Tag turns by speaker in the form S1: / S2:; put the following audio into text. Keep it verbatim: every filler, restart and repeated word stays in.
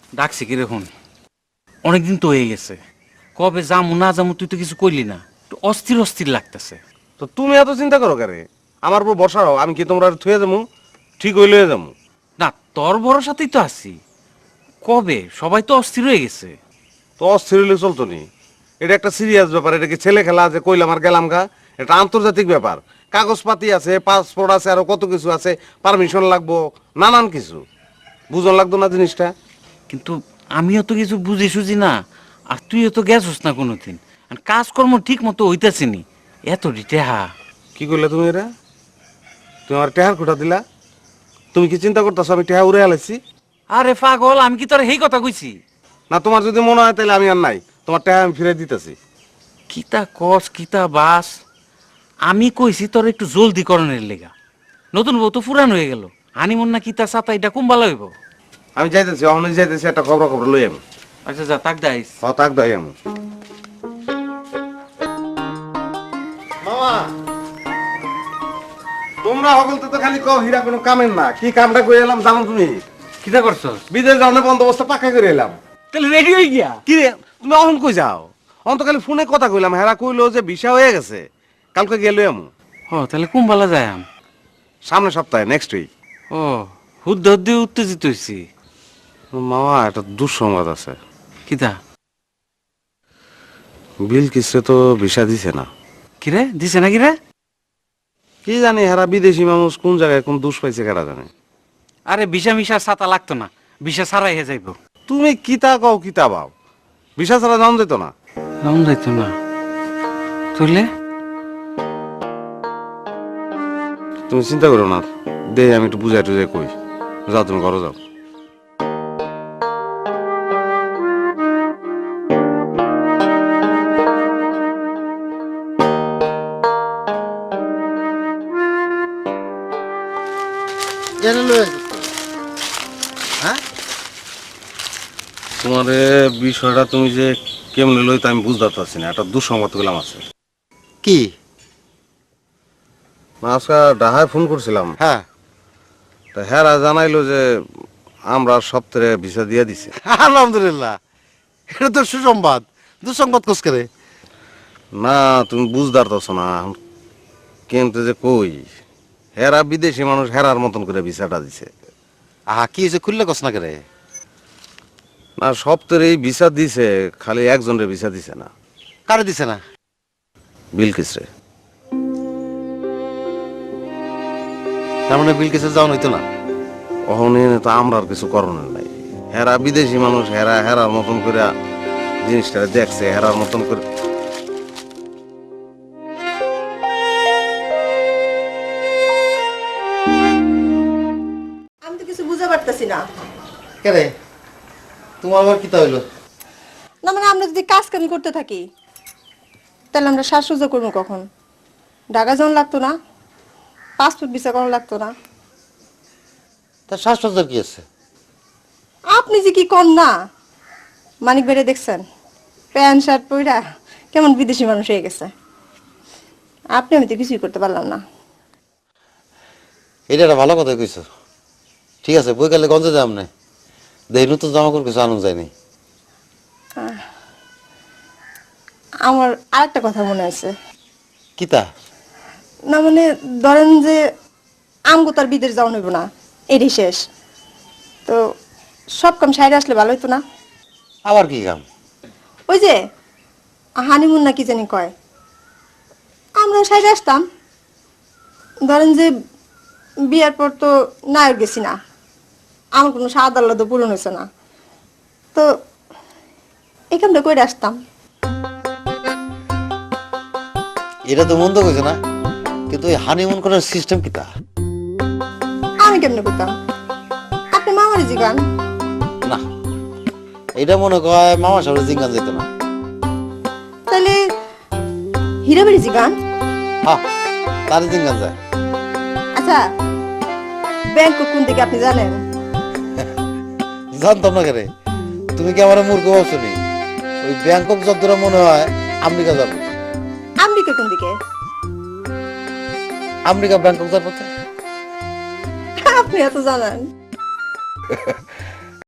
S1: ডাকছি কি দেখুন, অনেকদিন তো হয়ে গেছে। কবে যামু না যামু তুই তো কিছু কইলি না, একটু অস্থির অস্থির লাগতেছে।
S2: তো তুমি এত চিন্তা করো কারে? আমার উপর বর্ষা হও, আমি কি তোমরা থুয়ে যাবো? ঠিক হইলে যাবো।
S1: না, তোর ভরসাতেই তো আছি। কবে সবাই তো অস্থির হয়ে গেছে।
S2: তো অস্থির হইলে চলতো নি। এটা একটা সিরিয়াস ব্যাপার, এটা কি ছেলে খেলা যে কইলাম আর গেলাম গা? এটা আন্তর্জাতিক ব্যাপার। কাগজপাতি আছে, পাসপোর্ট আছে, আরো কত কিছু আছে, পারমিশন লাগবো, নানান কিছু। বুঝন লাগতো না জিনিসটা?
S1: কিন্তু আমিও তো কিছু বুঝি সুঝি না, আর তুইও তো গেছস না কোনোদিন। আর কাজকর্ম ঠিক মতো হইতেছে নি, এত রিটেহা।
S2: কি করলে তুমি এরা? তুমি আমার টেহার খুঁটা দিলা? তুমি কি চিন্তা করতেছো আমি টেহা উড়ে আলাইছি?
S1: আরে পাগল, আমি কি তোর এই কথা কইছি?
S2: না, তোমার যদি মনে হয় তাহলে আমি আর নাই, তোমার টেহা আমি ফিরে দিতেছি।
S1: কিতা কস কিতা বাস, আমি কইছি তোর একটু জলদি করণের লেগা। নতুন বউ তো ফুরান হয়ে গেল, হানিমুন না কিতা সাতা এটা কুম্বা লইব।
S2: আমি যাইতেছি, অহনে যাইতেছি, একটা খবর খবর লই আমি।
S1: আচ্ছা যা, তাক দাইস।
S2: হ, তাক দাই আমি। মামা, তোমরা সকল তো খালি কও হীরা কোনো কামের না। কি কামটা করে এলাম জানো তুমি?
S1: কিতা করছস?
S2: বিদেশ যাওয়ার বন্দোবস্ত পাকা করে এলাম।
S1: তাহলে রেডি হয়ে গিয়া?
S2: কি রে, তুমি অহন কই যাও? অহন তো খালি ফোনে কথা কইলাম, হেরা কইলো যে ভিসা হয়ে গেছে, কালকে গেলে আমু।
S1: ও তাহলে কুম্বালা যায় আম।
S2: সামনের সপ্তাহে, নেক্সট উইক।
S1: ও, হুদ্দে হুদ্দে উত্তেজিত হইছি।
S2: মামা, একটা দুঃসংবাদ আছে।
S1: কিতা?
S2: বিল কিসে তো ভিসা দিছে না।
S1: কিরে দিছে না কিরে?
S2: কি জানি হেরা বিদেশি মানুষ কোন জায়গায় কোন দুষ পাইছে কেরা জানে।
S1: আরে ভিসা মিশা ছাতা লাগতো না, ভিসা ছাড়াই হে যাইব।
S2: তুমি কিতা কও কিতা বাও, ভিসা ছাড়া যাওয়া যেত না।
S1: রাউন যাইতো না তুইলে?
S2: তুমি চিন্তা করো না, দে আমি একটু বুঝাই টুজাই কই। যাও, তুমি ঘরে যাও।
S3: হ্যাঁ,
S2: তোমার এ বিষয়টা তুমি যে কেমনে লই তা আমি বুঝতে পারছি না। একটা দুঃসংবাদ পেলাম আছে।
S3: কি?
S2: না, আজকে ডাহায় ফোন করছিলাম।
S3: হ্যাঁ,
S2: তা হেরা জানাইলো যে আমরা সপ্তাহে ভিসা দিয়ে দিছে।
S3: আলহামদুলিল্লাহ, এটা তো সুসংবাদ। দুঃসংবাদ কোস করে?
S2: না, তুমি বুঝতে পারতেছো না কেমতে যে কই। হেরা বিদেশি মানুষ হেরার মতন করে ভিসাটা দিছে।
S3: আহা, কি হয়েছে খুললে কস না করে?
S2: না, সপ্তাহে এই ভিসা দিছে, খালি একজনের ভিসা দিছে না।
S3: কারে দিছে না?
S2: বিলকিস রে।
S3: তার মানে বিল কেসে যাওয়া হইতো না?
S2: অহনে তো আমরা আর কিছু করণের নাই। হেরা বিদেশি মানুষ, হেরা হেরার মতন করে জিনিসটা দেখছে, হেরার মতন করে।
S4: আমি তো কিছু বুঝতে পারতেছি না।
S3: কেরে, তোমার আবার কিতা হইলো?
S4: না মানে আমরা যদি কাজ কাম করতে থাকি তাহলে আমরা শ্বাসরুজা করবো কখন? ঢাকা যাওয়ান লাগতো না? পাসপোর্ট ভিসা করানো লাগতো না?
S3: তার শ্বাসরোধের কি আছে?
S4: আপনি যে কি কন না, মানিক বেড়ে দেখছেন প্যান্ট শার্ট পইরা কেমন বিদেশি মানুষ হয়ে গেছে। আপনি আমি তো কিছুই করতে পারলাম না।
S3: এটা একটা ভালো কথা কইছো। ঠিক আছে, বই গেলে গঞ্জে যাম না, দেই নতুন জামা কাপড় কিছু আনুন যায়নি।
S4: আমার আরেকটা কথা মনে আছে।
S3: কিতা?
S4: না মানে ধরেন যে আমগো তার বিদেশ যাওয়া হইব না, এরই শেষ। তো সব কাম সাইডে আসলে ভালো হইতো না?
S3: আবার কি কাম?
S4: ওই যে হানিমুন না কি জানি কয়, আমরা সাইডে আসতাম। ধরেন যে বিয়ার পর তো নায়ক গেছি না, আমার কোনো স্বাদ আল্লাহ পূরণ হয়েছে না, তো এখানটা কইরে আসতাম।
S3: এটা তো মন্দ কইছে না, কিন্তু এই হানিমুন করার সিস্টেম কিতা?
S4: আমি কেমনে করতাম? আপনি মামারি জিগান।
S3: না, এটা মনে কয় মামা সাহেবের জিঙ্গান যেত না।
S4: তাহলে হীরাবাড়ি জিগান।
S3: হ্যাঁ, তার জিঙ্গান যায়।
S4: আচ্ছা, ব্যাংক কোন থেকে আপনি জানেন?
S3: জানতাম না কেরে, তুমি কি আমার মূর্খ ভাবছো নি? ওই ব্যাংকক যতটা মনে হয় আমেরিকা যাবো।
S4: আমেরিকা কোন দিকে?
S3: আমেরিকা ব্যাংকক যাবো।
S4: আপনি এত জানেন?